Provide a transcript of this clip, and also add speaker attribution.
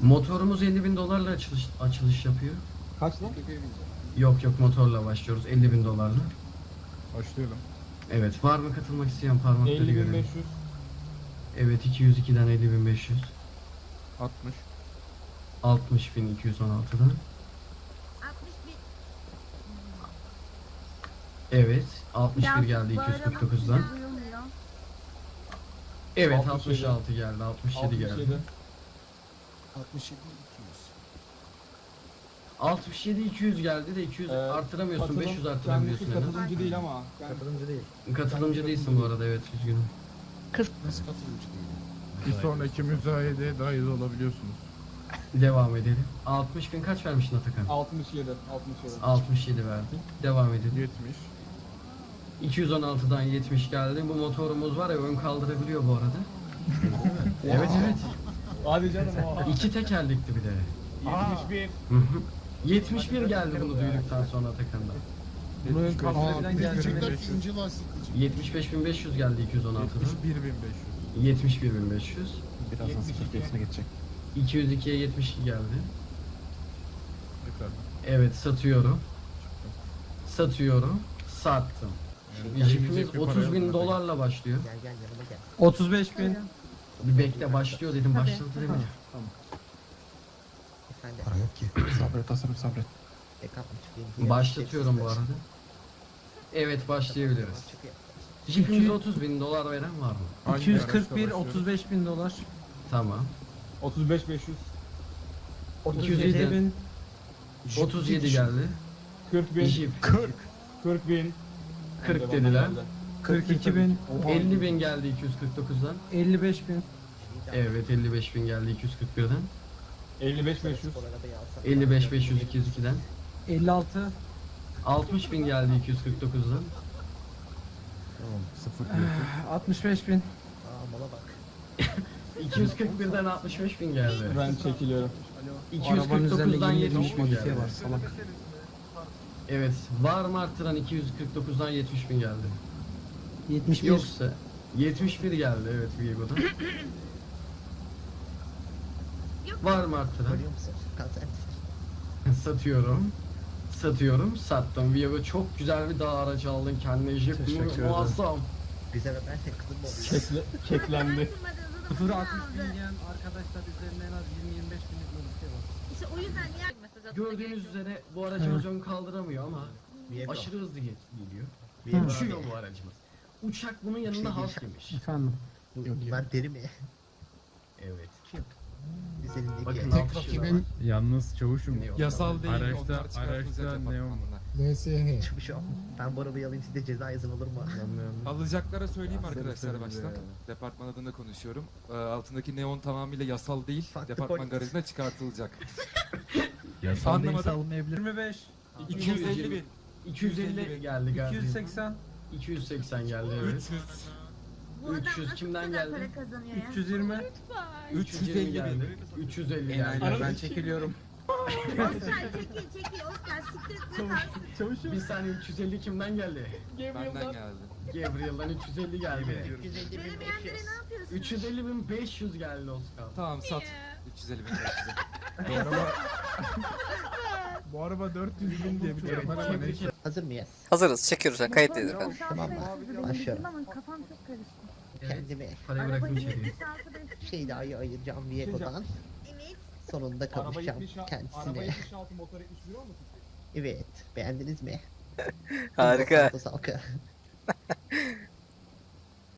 Speaker 1: Motorumuz 50.000 dolarla açılış yapıyor.
Speaker 2: Kaç lan?
Speaker 1: Yok motorla başlıyoruz 50.000 dolarla.
Speaker 3: Başlayalım.
Speaker 1: Evet, var mı katılmak isteyen parmakları
Speaker 2: 50.500.
Speaker 1: görelim. Evet, 202'den 50.500.
Speaker 3: 60.
Speaker 1: 60.216'dan.
Speaker 4: 61.
Speaker 1: Evet, 61
Speaker 4: Biraz
Speaker 1: geldi
Speaker 4: bağıralım,
Speaker 1: 249'dan.
Speaker 4: duyulmuyor.
Speaker 1: Evet,
Speaker 2: 67.
Speaker 1: 66 geldi, 67 geldi.
Speaker 5: 67 200.
Speaker 1: 67 200 geldi de 200 artıramıyorsun, 500 artırabiliyorsun en az.
Speaker 2: Katılımcı değil ama.
Speaker 5: Katılımcı değil.
Speaker 1: Katılımcı değilsin bu arada, evet, üzgünüm.
Speaker 5: Nasıl katılımcı değil?
Speaker 3: Bir sonraki müzayedeye dahil olabiliyorsunuz.
Speaker 1: Devam edelim. 60.000 kaç vermiştin Atakan?
Speaker 2: 67.
Speaker 1: 67 verdi. Devam edelim.
Speaker 3: 70.
Speaker 1: 216'dan 70 geldi. Bu motorumuz var ya, ön kaldırabiliyor bu arada. Evet.
Speaker 2: Hadi canım o.
Speaker 1: 2 tekerlekli bir de.
Speaker 2: 71.
Speaker 1: Hı hı. 71 geldi bunu duyduktan sonra Atakan'dan.
Speaker 3: Bunun
Speaker 5: Aa,
Speaker 3: kalkulabilen
Speaker 5: gerçekten
Speaker 3: geldi.
Speaker 5: ince lastikli.
Speaker 1: 75.500 geldi 216'dan.
Speaker 3: 71.500.
Speaker 1: 71.500.
Speaker 6: Birazdan 0 geçecek.
Speaker 1: 202'ye 72 geldi.
Speaker 3: Yeter.
Speaker 1: Evet, satıyorum. Sattım. Jipimiz 30.000 dolarla başlıyor.
Speaker 7: 35.000.
Speaker 1: Bir bekle, başlıyor dedim, başladı dedim.
Speaker 6: Para yok ki. Sabret Asarım sabret.
Speaker 1: Başlatıyorum bu arada. Evet, başlayabiliriz. Jipimize 30.000 dolar veren var mı?
Speaker 3: Hangi
Speaker 7: 241
Speaker 3: araçla başlıyoruz?
Speaker 7: 35.000 dolar.
Speaker 1: Tamam.
Speaker 2: 35.500.
Speaker 7: 37.000.
Speaker 1: 37 geldi.
Speaker 2: 40.000.
Speaker 1: Jip
Speaker 2: 40.000.
Speaker 1: 40 dediler.
Speaker 7: 42.000.
Speaker 1: 50.000 geldi 249'dan.
Speaker 7: 55.000.
Speaker 1: Evet, 55.000 geldi 241'den.
Speaker 2: 55.500.
Speaker 1: 55.500 202'den.
Speaker 7: 56.
Speaker 1: 60.000 geldi 249'dan.
Speaker 6: Tamam 0
Speaker 7: 65.000.
Speaker 1: 241'den 65.000 geldi.
Speaker 2: Ben çekiliyorum.
Speaker 7: Arabanın üzerinde
Speaker 1: 249'dan
Speaker 7: 20
Speaker 1: 70.000
Speaker 7: modifiye
Speaker 1: geldi.
Speaker 7: var salak.
Speaker 1: Evet, var mı arttıran 249'dan 70.000 geldi.
Speaker 7: 71.
Speaker 1: Yoksa 71 geldi, evet, Viego'dan. Var mı arttıran? Satıyorum, sattım. Viego, çok güzel bir dağ aracı aldın kendine, Jeep
Speaker 7: Teşekkür ederim.
Speaker 1: muazzam.
Speaker 2: Keklendi.
Speaker 7: 0 60.000 diyen arkadaşlar üzerinde en az 20-25 binlik modifiye var.
Speaker 4: İşte o yüzden niye
Speaker 1: Gördüğünüz üzere bu aracımız ön kaldıramıyor ama aşırı hızlı geliyor. Uçuyor bu aracımız. Uçak bunun yanında halt yemiş.
Speaker 7: Efendim.
Speaker 6: Bunlar deri mi?
Speaker 1: Evet.
Speaker 6: Üzerindeki
Speaker 1: Bakın
Speaker 5: Tek
Speaker 1: alkışı da var.
Speaker 5: rakibin
Speaker 3: Yalnız çavuşum.
Speaker 1: Ne yok?
Speaker 3: Yasal değil. Araçta neon.
Speaker 5: LSH.
Speaker 6: Çıkmış o. Ben bu arabayı alayım, size ceza yazın olur mu?
Speaker 8: Alacaklara söyleyeyim arkadaşlar baştan. Departman adına konuşuyorum. Altındaki neon tamamıyla yasal değil.
Speaker 6: Farklı
Speaker 8: Departman
Speaker 6: polis.
Speaker 8: garajına çıkartılacak.
Speaker 7: Yasal
Speaker 8: değilse
Speaker 7: alınmayabilir. 25.
Speaker 8: 250 bin.
Speaker 1: 250 geldi galiba.
Speaker 7: 280.
Speaker 1: 280 geldi, evet.
Speaker 8: 300.
Speaker 4: Bu adam
Speaker 1: 300
Speaker 4: nasıl
Speaker 1: kimden
Speaker 4: bu kadar
Speaker 1: geldi?
Speaker 4: para kazanıyor ya?
Speaker 7: 320.
Speaker 1: 350 geldi. 350 geldi.
Speaker 7: Ben çekiliyorum.
Speaker 4: Oscar çekil Oscar siktir etme kalsın.
Speaker 1: Bir saniye, 350 kimden geldi?
Speaker 8: Benden geldi.
Speaker 1: Gabriel'dan 350 geldi.
Speaker 4: Veremeyenlere ne yapıyorsun?
Speaker 1: 350.500 geldi Oscar.
Speaker 8: Tamam sat. 350 bin 500'e.
Speaker 3: Bu araba 400 bin diye bir
Speaker 1: Evet,
Speaker 3: kere bana
Speaker 1: tebrik ederim.
Speaker 6: Hazır mıyız?
Speaker 9: Hazırız. Çekiyoruz. Kayıttayız efendim.
Speaker 6: Tamam mı? Başlıyorum.
Speaker 4: Ama kafam çok karıştı.
Speaker 6: Kendimi
Speaker 1: Parayı bırakın içeriye.
Speaker 6: 1 şey daha ayıracağım Viego'dan.
Speaker 4: Evet.
Speaker 6: Sonunda
Speaker 2: Araba
Speaker 6: kavuşacağım
Speaker 2: 76. Araba
Speaker 6: kendisine.
Speaker 2: 76 motor 71 olmasın?
Speaker 6: Evet. Beğendiniz mi?
Speaker 9: Harika.
Speaker 6: Santos halkı.